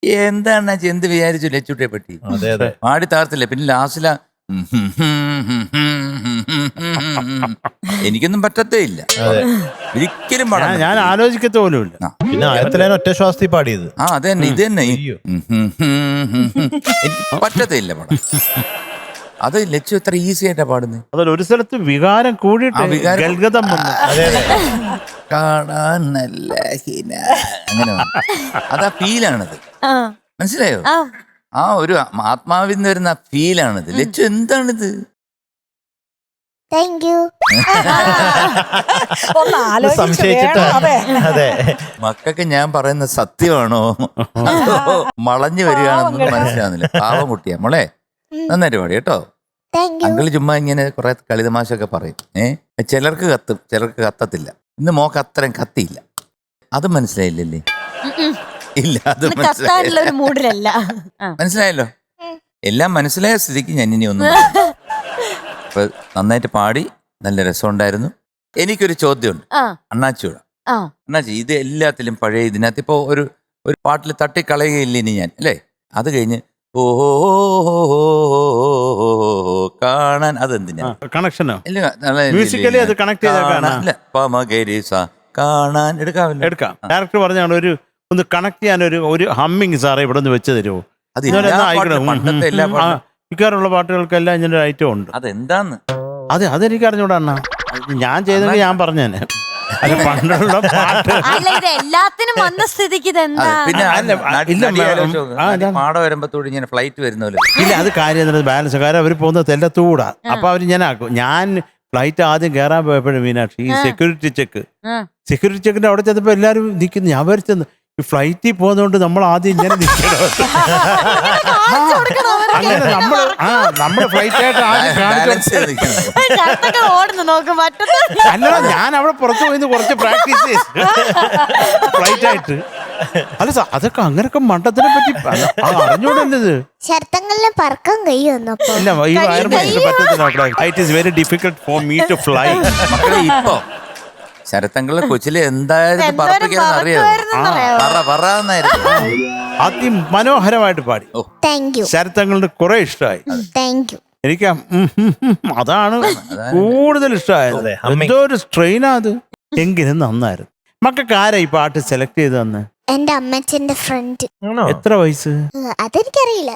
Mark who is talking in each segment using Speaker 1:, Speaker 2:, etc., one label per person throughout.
Speaker 1: എന്താണ് എന്ത് വിചാരിച്ചു ലച്ചുട്ടിയെ പറ്റി? പാടി താർത്തില്ല. പിന്നെ ലാസ്റ്റില എനിക്കൊന്നും പറ്റത്തേ ഇല്ല, ഒരിക്കലും പാടാൻ.
Speaker 2: ഞാൻ ആലോചിക്കത്ത പോലും ഇല്ല.
Speaker 3: പിന്നെ ആയിരത്തിലാണ് ഒറ്റ ശ്വാസത്തിൽ പാടിയത്.
Speaker 1: അത് തന്നെ, ഇത് തന്നെ എനിക്ക് പറ്റത്തേ ഇല്ല പാടാൻ. അത് ലച്ചു എത്ര ഈസി ആയിട്ടാ പാടുന്നത്.
Speaker 2: അതൊരു സ്ഥലത്ത് വികാരം കൂടിയിട്ട് ഗൽഗതം വന്നു.
Speaker 1: കാണാൻ നല്ല അങ്ങനെ അതാ ഫീലാണത്, മനസ്സിലായോ? ആ ഒരു ആത്മാവിൽ നിന്ന് വരുന്ന ഫീലാണിത്. ലച്ചു എന്താണിത്? മക്കൾക്ക് ഞാൻ പറയുന്ന സത്യമാണോ വളഞ്ഞു വരികയാണെന്നൊന്നും മനസ്സിലാവുന്നില്ല. പാവം കുട്ടിയാ മോളെ, നന്നായിട്ട് പാടി കേട്ടോ. അങ്കിള് ചുമ്മാ ഇങ്ങനെ കുറെ കളിതമാശൊക്കെ പറയും. ചിലർക്ക് കത്തും, ചിലർക്ക് കത്തത്തില്ല. ഇന്ന് മോക്ക് അത്രയും കത്തിയില്ല, അത് മനസ്സിലായില്ലല്ലേ? ഇല്ല, അത് മനസ്സിലായല്ലോ. എല്ലാം മനസ്സിലായ സ്ഥിതിക്ക് ഞാൻ ഇനി ഒന്നും. അപ്പൊ നന്നായിട്ട് പാടി, നല്ല രസമുണ്ടായിരുന്നു. എനിക്കൊരു ചോദ്യമുണ്ട് അണ്ണാച്ചിയോട്. അണ്ണാച്ചി, ഇത് എല്ലാത്തിലും പഴയ ഇതിനകത്ത് ഇപ്പൊ ഒരു പാട്ടിൽ തട്ടിക്കളയുകയില്ല ഇനി ഞാൻ, അല്ലേ? അത് കഴിഞ്ഞ് ഓ കാണാൻ, അതെന്തിനാ കണക്ഷനോ?
Speaker 2: മ്യൂസിക്കലി അത് കണക്ട്
Speaker 1: കാണാൻ എടുക്കാം.
Speaker 2: ഡയറക്ടർ പറഞ്ഞാണ് ഒന്ന് കണക്ട് ചെയ്യാൻ ഒരു ഹമ്മിങ് സാറേ ഇവിടെ നിന്ന് വെച്ച് തരുമോ? മിക്കാറുള്ള പാട്ടുകൾക്കെല്ലാം ഇങ്ങനെ ഒരു ഐറ്റം ഉണ്ട്.
Speaker 1: അതെന്താന്ന്
Speaker 2: അതെനിക്ക് അറിഞ്ഞൂടാ അണ്ണാ. ഞാൻ ചെയ്തെങ്കിൽ ഞാൻ പറഞ്ഞേനെ. അല്ല, പണ്ടുള്ള പാട്ട്
Speaker 4: എല്ലാത്തിനും വന്ന സ്ഥിതിക്ക്
Speaker 1: പിന്നെ പാട വരുമ്പത്തോട് ഇങ്ങനെ ഫ്ലൈറ്റ് വരുന്നല്ലോ.
Speaker 2: ഇല്ല, അത് കാര്യം ബാലൻസ്. കാര്യം അവർ പോകുന്നത് തെല്ലത്തൂടാ. അപ്പൊ അവര് ഞാൻ ഫ്ലൈറ്റ് ആദ്യം കയറാൻ പോയപ്പോഴും മീനാക്ഷി ഈ സെക്യൂരിറ്റി ചെക്കിന്റെ അവിടെ ചെന്നപ്പോ എല്ലാരും നിൽക്കുന്നു. ഞാൻ വരച്ചെന്ന് ഈ ഫ്ലൈറ്റിൽ പോകുന്നതുകൊണ്ട് നമ്മൾ ആദ്യം ഇങ്ങനെ നിൽക്കണം. അങ്ങനെ നമ്മള് ഫ്ലൈറ്റ് ആയിട്ട് അല്ല, ഞാൻ അവിടെ പുറത്തു പോയി കുറച്ച് പ്രാക്ടീസ് ചെയ്ത് ഫ്ലൈറ്റ് ആയിട്ട്. അല്ല, അതൊക്കെ അങ്ങനൊക്കെ മണ്ടത്തിനെ പറ്റി അറിഞ്ഞൂടല്ലത്.
Speaker 5: പറക്കാൻ കഴിയുമോ?
Speaker 2: ഇല്ല, ഈ വയറ് പറ്റത്തില്ല. It is very difficult for me to fly.
Speaker 1: ഇപ്പൊ ശരത്തങ്കളെ കൊച്ചില് എന്തായാലും പറപ്പിക്കാന്ന് അറിയാമായിരുന്നു.
Speaker 2: അതിമനോഹരമായിട്ട് പാടി. ശരത്തങ്ങളുടെ കുറെ ഇഷ്ടമായി. എനിക്ക് അതാണ് കൂടുതൽ ഇഷ്ടമായത്. എന്തോ ഒരു സ്ട്രെയിനാ അത്. എങ്കിലും നന്നായിരുന്നു. മക്കൾക്ക് ആരാ ഈ പാട്ട് സെലക്ട് ചെയ്ത് തന്നെ?
Speaker 5: എന്റെ അമ്മച്ചന്റെ ഫ്രണ്ട്.
Speaker 2: എത്ര വയസ്സ്?
Speaker 5: അതെനിക്കറിയില്ല.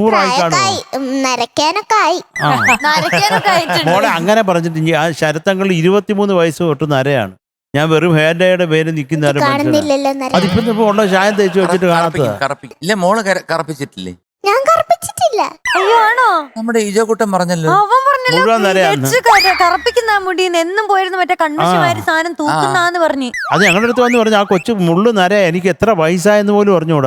Speaker 2: മോളെ അങ്ങനെ പറഞ്ഞിട്ട് ആ ശരത്തങ്ങൾ 23 വയസ്സ് തൊട്ട് നരയാണ്. ഞാൻ വെറും ഹേൻഡയുടെ പേര് നിൽക്കുന്ന അതിപ്പോ ഉള്ള ചായം തേച്ച് വെച്ചിട്ട്
Speaker 1: കാണാത്ത. മോള് കറപ്പിച്ചിട്ടില്ലേ?
Speaker 5: ഞാൻ കറപ്പിച്ചിട്ടില്ല.
Speaker 1: നമ്മുടെ ഈജോക്കുട്ടൻ പറഞ്ഞല്ലോ,
Speaker 4: കറപ്പിക്കുന്ന മുടിയിൽ എന്നും പോയിരുന്നു മറ്റേ കൺമഷിമാര് സാധനം തൂക്കുന്നാന്ന് പറഞ്ഞു.
Speaker 2: അത് ഞങ്ങളുടെ അടുത്ത് വന്ന് പറഞ്ഞു ആ കൊച്ചു മുള്ളു നര എനിക്ക് എത്ര വയസ്സായെന്ന് പോലും അറിഞ്ഞുകൂടാ.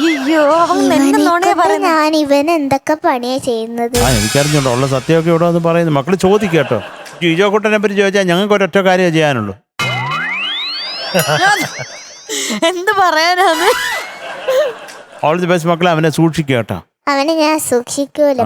Speaker 5: ഞാൻ ഇവൻ എന്തൊക്കെ പണിയാ ചെയ്യുന്നത്
Speaker 2: എനിക്കറിഞ്ഞോണ്ടോ ഉള്ള സത്യമൊക്കെ ഇവിടെ വന്ന് പറയുന്നു. മക്കള് ചോദിക്കട്ടോ. ഈജോക്കുട്ടനെ പറ്റി ചോദിച്ചാൽ ഞങ്ങൾക്ക് ഒരൊറ്റ കാര്യം ചെയ്യാനുള്ളൂ.
Speaker 4: എന്ത് പറയാനാണ്?
Speaker 2: ഓൾ ദി ബെസ്റ്റ് മക്കളെ. അവനെ സൂക്ഷിക്കട്ടോ.
Speaker 5: അവനെ ഞാൻ സൂക്ഷിക്കൂല.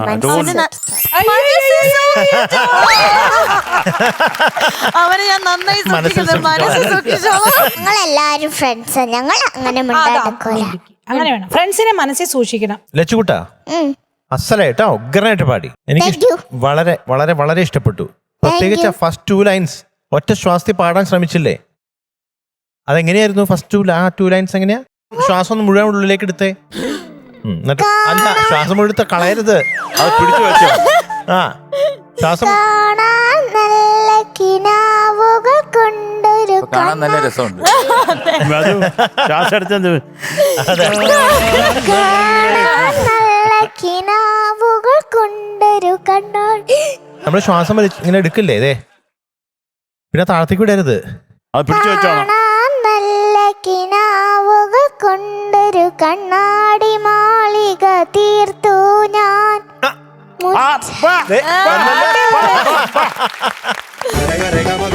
Speaker 4: അവനെ ഞാൻ നന്നായി
Speaker 5: ഞങ്ങളെല്ലാരും ഫ്രണ്ട്സാ. ഞങ്ങൾ അങ്ങനെ
Speaker 6: അങ്ങനെ വേണം. ഫ്രണ്ട്സിനെ മനസ്സിൽ സൂക്ഷിക്കണം.
Speaker 3: ലച്ചുകുട്ടാ അസലായിട്ടാ ഉഗ്രനായിട്ട് പാടി. എനിക്ക് വളരെ വളരെ വളരെ ഇഷ്ടപ്പെട്ടു. പ്രത്യേകിച്ച് ഫസ്റ്റ് 2 ലൈൻസ് ഒറ്റ ശ്വാസത്തിൽ പാടാൻ ശ്രമിച്ചില്ലേ? അതെങ്ങനെയായിരുന്നു ഫസ്റ്റ് 2 ലൈൻസ്? എങ്ങനെയാ? ശ്വാസം ഒന്ന് മുഴുവൻ ഉള്ളിലേക്ക് എടുത്തേ. എന്നിട്ട് അല്ല, ശ്വാസം മുഴുത്ത കളയരുത്, അത് പിടിച്ചു വെച്ചോ. ശ്വാസം
Speaker 1: കാണാൻ നല്ല രസമുണ്ട്.
Speaker 2: ശ്വാസം എടുത്തത്
Speaker 3: നമ്മള് ശ്വാസം ഇങ്ങനെ എടുക്കില്ലേ? ഇതേ പിന്നെ താഴത്തേക്ക് വിടരുത്,
Speaker 2: അത് പിടിച്ചു വെച്ചോണം.
Speaker 5: കിനാവുകൾ കൊണ്ടൊരു കണ്ണാടി മാളിക തീർത്തു ഞാൻ.